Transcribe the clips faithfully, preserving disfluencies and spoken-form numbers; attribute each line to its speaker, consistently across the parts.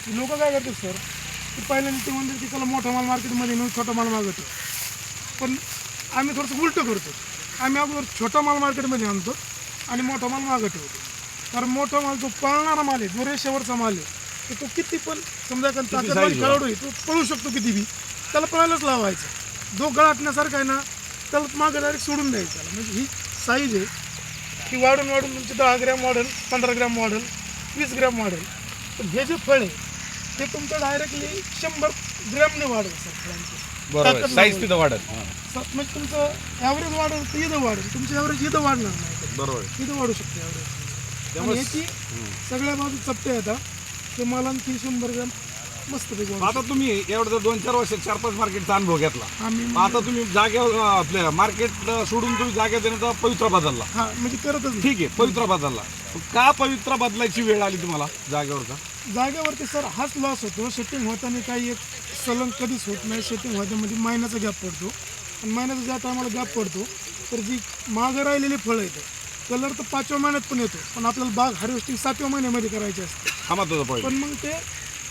Speaker 1: लोक काय करतात सर की पहिल्यांदा ते म्हणतात की चला मोठा माल मार्केटमध्ये नेऊन छोटा माल मागवतो, पण आम्ही थोडंसं उलटं करतो. आम्ही अगोदर छोटा माल मार्केटमध्ये आणतो आणि मोठा माल मागं ठेवतो. कारण मोठा माल जो पळणारा माल आहे, जो रेषेवरचा माल आहे, तर तो किती पण समजा कारण ताकदवान खेळाडू आहे, तो पळू शकतो किती बी, त्याला पळायलाच लावायचं. जो गळाटण्यासारखा आहे ना त्याला मागं डायरेक्ट सोडून द्यायचं. त्याला म्हणजे ही साईज आहे की वाढून वाढून तुमची दहा ग्रॅम वाढेल, पंधरा ग्रॅम वाढेल, वीस ग्रॅम वाढेल. पण हे जे फळ आहे ते तुमचं डायरेक्टली शंभर ग्रॅमने वाढेल सर फळांची.
Speaker 2: बरोबर, साईज तिथं वाढत.
Speaker 1: म्हणजे तुमचं ॲव्हरेज वाढेल तर इथं वाढेल, तुमचं ॲव्हरेज इथं वाढणार नाही,
Speaker 2: बरोबर
Speaker 1: इथं वाढू शकते ॲव्हरेज. आणि याची सगळ्या बाजू चपटे येतात ते मला आणखी शंभर ग्रॅम मस्तपैकी वाढू.
Speaker 2: आता तुम्ही एवढं दोन चार वर्षात चार पाच मार्केटचा अनुभव घेतला,
Speaker 1: आम्ही
Speaker 2: आता तुम्ही जागेवर आपल्या मार्केट सोडून तुम्ही जागा देण्याचा पवित्रा बदलला.
Speaker 1: हा म्हणजे करतच नाही.
Speaker 2: ठीक आहे, पवित्रा बदलला. का पवित्रा बदलायची वेळ आली तुम्हाला जागेवरचा?
Speaker 1: जागेवरती सर हाच लॉस होतो. सेटिंग होताना काही एक सलंग कधीच होत नाही. सेटिंग होतामध्ये महिन्याचा गॅप पडतो आणि महिन्याचा ज्या टायमाला गॅप पडतो तर जी मागं राहिलेली फळं येतं, कलर तर पाचव्या महिन्यात पण येतो, पण आपल्याला बाग हार्वेस्टिंग सातव्या महिन्यामध्ये करायची असते.
Speaker 2: हा महत्वाचा पॉईंट.
Speaker 1: पण मग ते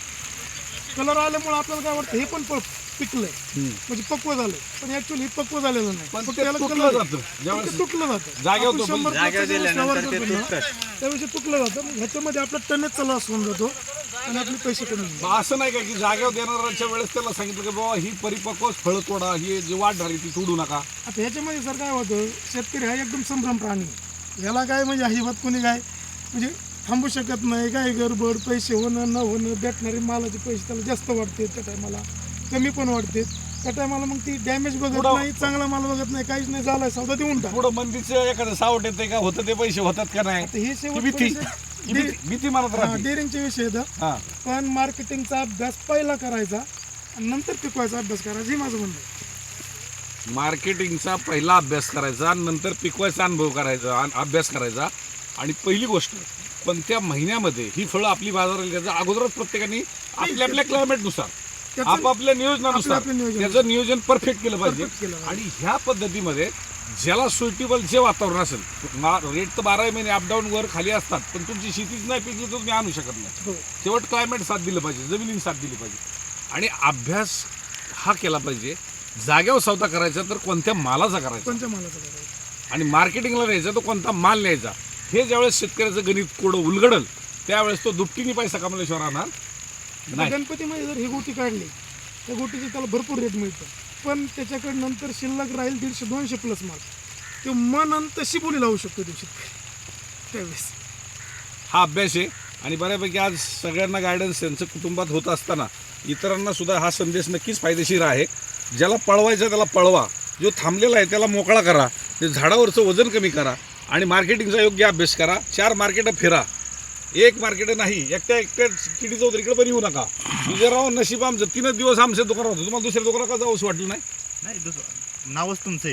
Speaker 1: कलर आल्यामुळे आपल्याला काय वाटतं हे पण फळ पिकलंय म्हणजे पक्व झालंय, पण ऍक्च्युअली पक्व झालेलं नाही.
Speaker 2: पण
Speaker 1: फक्त
Speaker 2: ते
Speaker 1: त्याला
Speaker 2: तुटलं
Speaker 1: कलर
Speaker 2: जातं. ज्यावेळेस
Speaker 1: ते तुटलं जातं.
Speaker 2: जागेवर
Speaker 1: आपण
Speaker 2: तो
Speaker 1: शंभर
Speaker 3: जागेवर
Speaker 1: टक्के
Speaker 3: दिल्यानंतर
Speaker 1: व्यवस्था
Speaker 3: ते
Speaker 1: करतो ना,
Speaker 3: तुटतं.
Speaker 1: त्याविषयी तुटलं जातं. मग ह्याच्यामध्ये आपला टनेजचा लॉस होऊन जातो आणि आपले पैसे कमी होऊन
Speaker 2: मग असं नाही का की जागेवर देणाऱ्याच्या वेळेस त्याला सांगितलं की बाबा ही परिपक्व फळं तोडा, ही जी वाढ झाली ती तोडू नका.
Speaker 1: आता ह्याच्यामध्ये सर काय होतं, शेतकरी हा एकदम संभ्रम प्राणी आहे. ह्याला काय म्हणजे अजिबात कोणी काय म्हणजे थांबू शकत नाही. काय गडबड, पैसे होणं न होणं, भेटणारे मालाचे पैसे त्याला जास्त वाटते, त्या टायमाला कमी पण वाटते. त्या टायमाला मग ती डॅमेज बघत
Speaker 2: पुढं-
Speaker 1: नाही, चांगला माल बघत नाही, काहीच नाही, झालाय सौदा देऊन टाक.
Speaker 2: पुढं मंदीचं एखादं सावट येते का, होतं ते पैसे होतात का नाही,
Speaker 1: आता हे
Speaker 2: ही
Speaker 1: शेवट
Speaker 2: भीती ही भीती भीती मनात राहते.
Speaker 1: डेअरिंगचे विषय येतात.
Speaker 2: हा,
Speaker 1: पण मार्केटिंगचा अभ्यास पहिला करायचा आणि नंतर पिकवायचा अभ्यास करायचा, हे माझं म्हणणं आहे.
Speaker 2: मार्केटिंगचा पहिला अभ्यास करायचा, नंतर पिकवायचा अनुभव करायचा, अन- अभ्यास करायचा. आणि पहिली गोष्ट, पण त्या महिन्यामध्ये ही फळं आपली बाजारात घ्यायचं अगोदरच प्रत्येकाने आपल्या आपल्या क्लायमेटनुसार
Speaker 1: त्याचं-
Speaker 2: आपापल्या नियोजनानुसार
Speaker 1: आपलं नियोजन.
Speaker 2: त्याचं नियोजन परफेक्ट केलं पाहिजे.
Speaker 1: Perfect केलं पाहिजे.
Speaker 2: आणि ह्या पद्धतीमध्ये ज्याला सुटेबल जे वातावरण असेल, रेट तर बारा महिने अपडाऊन वर खाली असतात, पण तुमची शेतीच नाही पिकली तर तुम्ही आणू शकत नाही.
Speaker 1: हो.
Speaker 2: शेवट क्लायमेट साथ दिलं पाहिजे, जमिनीने साथ दिली पाहिजे. आणि अभ्यास हा केला पाहिजे. जागेवर सौदा करायचा तर कोणत्या मालाचा करायचा,
Speaker 1: कोणत्या मालाचं करायचं.
Speaker 2: आणि मार्केटिंगला न्यायचा तर कोणता माल न्यायचा, हे ज्यावेळेस शेतकऱ्याचं गणित कोडं उलगडल त्यावेळेस तो दुपटीने पैसा कमवल्याशिवाय राहणार नाही.
Speaker 1: गणपतीमध्ये जर ही गोटी काढली त्या गोटीची त्याला भरपूर रेट मिळतो, पण त्याच्याकडे नंतर शिल्लक राहील दीडशे दोनशे प्लस माल, तो मन तशी बोली लावू शकतो तो शेतकरी त्यावेळेस.
Speaker 2: हा अभ्यास आहे. आणि बऱ्यापैकी आज सगळ्यांना गायडन्स यांचं कुटुंबात होत असताना इतरांना सुद्धा हा संदेश नक्कीच फायदेशीर आहे. ज्याला पळवायचा त्याला पळवा, जो थांबलेला आहे त्याला मोकळा करा, ते झाडावरचं वजन कमी करा आणि मार्केटिंगचा योग्य अभ्यास करा. चार मार्केटं फिरा, एक मार्केट नाही. एकट्या एकट्या किडी चौधरी इकडे पण येऊ नका. विजयराव नशीब आमचं तीनच दिवस आमच्या दुकानात होतं, तुम्हाला दुसऱ्या दुकानात का जाऊस वाटलं नाही?
Speaker 3: नाही दुसरं नावच तुमचं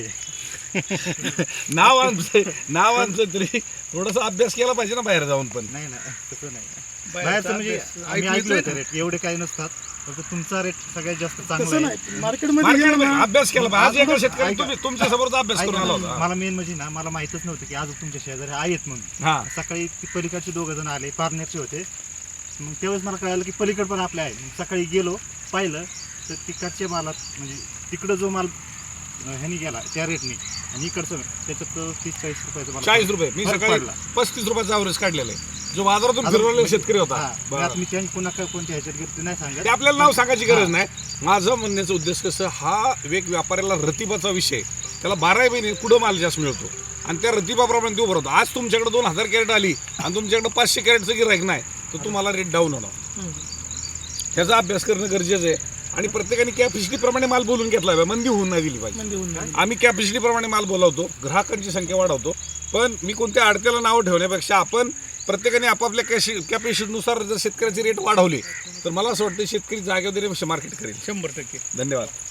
Speaker 3: आहे.
Speaker 2: नाव आमचं नाव आमचं तरी थोडासा अभ्यास केला पाहिजे ना बाहेर जाऊन. पण
Speaker 3: नाही ना, तसं नाही. बाहेरचं म्हणजे आम्ही ऐकलं होतं रेट एवढे काही नसतात, फक्त तुमचा रेट सगळ्यात जास्त चांगला
Speaker 1: तसं
Speaker 3: आहे.
Speaker 1: नाही, मार्केटमध्ये
Speaker 2: मार्केटमध्ये
Speaker 1: गेलं ना,
Speaker 2: अभ्यास केला पाहिजे. आज एका शेतकरी
Speaker 3: ऐका.
Speaker 2: तुम्ही तुमच्या समोरचा अभ्यास
Speaker 3: ऐका
Speaker 2: करून आला
Speaker 3: ना,
Speaker 2: होता.
Speaker 3: मला मेन म्हणजे ना, मला माहितच नव्हतं की आज तुमच्या शेजारी आहेत म्हणून.
Speaker 2: हा,
Speaker 3: सकाळी ती पलीकडचे दोघं जण आले, पार्टनरचे होते. मग त्यावेळेस मला कळालं की पलीकड पण आपले आहे. मग सकाळी गेलो पाहिलं तर तिकडच्या मालात म्हणजे तिकडं जो माल अं, ह्यानी गेला त्या रेटने आणि इकडचं त्याच्यात तीस चाळीस रुपयाचं मला
Speaker 2: चाळीस रुपये मी
Speaker 3: फरक
Speaker 2: सकाळी
Speaker 3: पडला.
Speaker 2: पस्तीस रुपयाचा अवरेज काढलेला आहे, जो बाजारातून
Speaker 3: अजून
Speaker 2: फिरवलेला
Speaker 3: म्हणजे-
Speaker 2: शेतकरी होता.
Speaker 3: हा,
Speaker 2: बरं.
Speaker 3: त्यात मी त्यांनी पुन्हा काय कोणत्या ह्याच्यात घेतली नाही सांगत.
Speaker 2: ते आपल्याला नाव सांगायची गरज नाही. माझं म्हणण्याचा उद्देश कसं, हा एक व्यापाऱ्याला रतिबाचा विषय, त्याला बारा महिने पुढं माल जास्त मिळतो आणि त्या रतिबाप्रमाणे तो भरवतो. आज तुमच्याकडे दोन हजार कॅरेट आली आणि तुमच्याकडे पाचशे कॅरेटचं गिराईक नाही तर तुम्हाला रेट डाऊन होणार. ह्याचा अभ्यास करणं गरजेचं आहे. आणि प्रत्येकाने कॅपॅसिटीप्रमाणे माल बोलून घेतला पाहिजे, मंदी होऊन नाही दिली पाहिजे.
Speaker 1: मंदी होऊन जाईल.
Speaker 2: आम्ही कॅपॅसिटीप्रमाणे माल बोलावतो, ग्राहकांची संख्या वाढवतो, पण मी कोणत्या अडत्याला नाव ठेवण्यापेक्षा आपण प्रत्येकाने आपापल्या कॅशी कॅपॅसिटीनुसार जर शेतकऱ्याची रेट वाढवली तर मला असं वाटतं शेतकरी जागेवर मार्केट करेल.
Speaker 1: शंभर टक्के
Speaker 2: धन्यवाद.